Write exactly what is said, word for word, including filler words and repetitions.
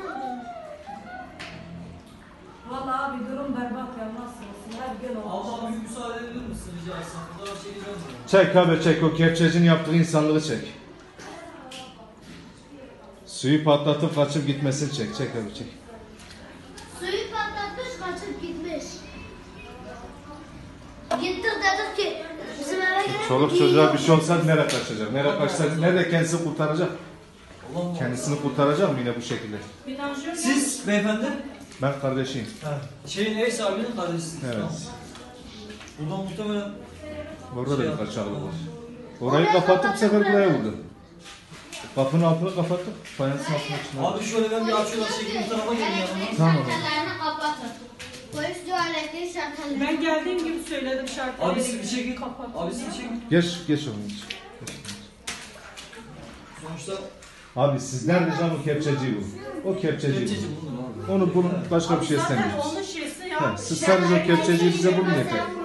Vallahi abi durum berbat ya, nasıl olsun, her gün olmuş. Abla bir müsaade edebilir misin rica etsem? Fotoğraf çekeceğim mi? Çek abi çek, o kepçecinin yaptığı insanlığı çek. Suyu patlatıp kaçıp gitmesini çek. Çek abi çek. Suyu patlatmış, kaçıp gitmiş. Gittik dedik ki bizim eve gelin. Çoluk çocuğa bir şey olsa nereye kaçacak? Nereye kaçacak? Nerede kendisini kurtaracak? Allah Allah. Kendisini kurtaracak mı yine bu şekilde? Bir tansiyon Siz beyefendi? Ben kardeşiyim. Ha. Şeyin ev sahibinin kardeşisiniz. Evet. Tamam. Buradan muhtemelen Orada da şey bir kaçaklık yaptı. var. Orayı kapattık, bu sefer buraya vurdu. Kapının altını kapattık, fayansın altına çıkmadı. Abi şöyle ben bir açıyorlar şekli bu tarafa gelin yanıma. Elektrik Tamam. şartellerini kapatın. Polis diyor elektrik şartellerini. Ben geldiğim gibi söyledim şartları. Abi siz bir çekin. Kapat. Abi siz bir çekin. Geç, geç onu. Geç. Sonuçta Abi sizden ricam o kepçeciyi bulun. O kepçeciyi kepçeci bulun. bulunur abi. Onu bulun, başka bir şey Zaten istemiyoruz. onun şeysi ya. Evet, siz sadece o kepçeciyi bize bulun yeter.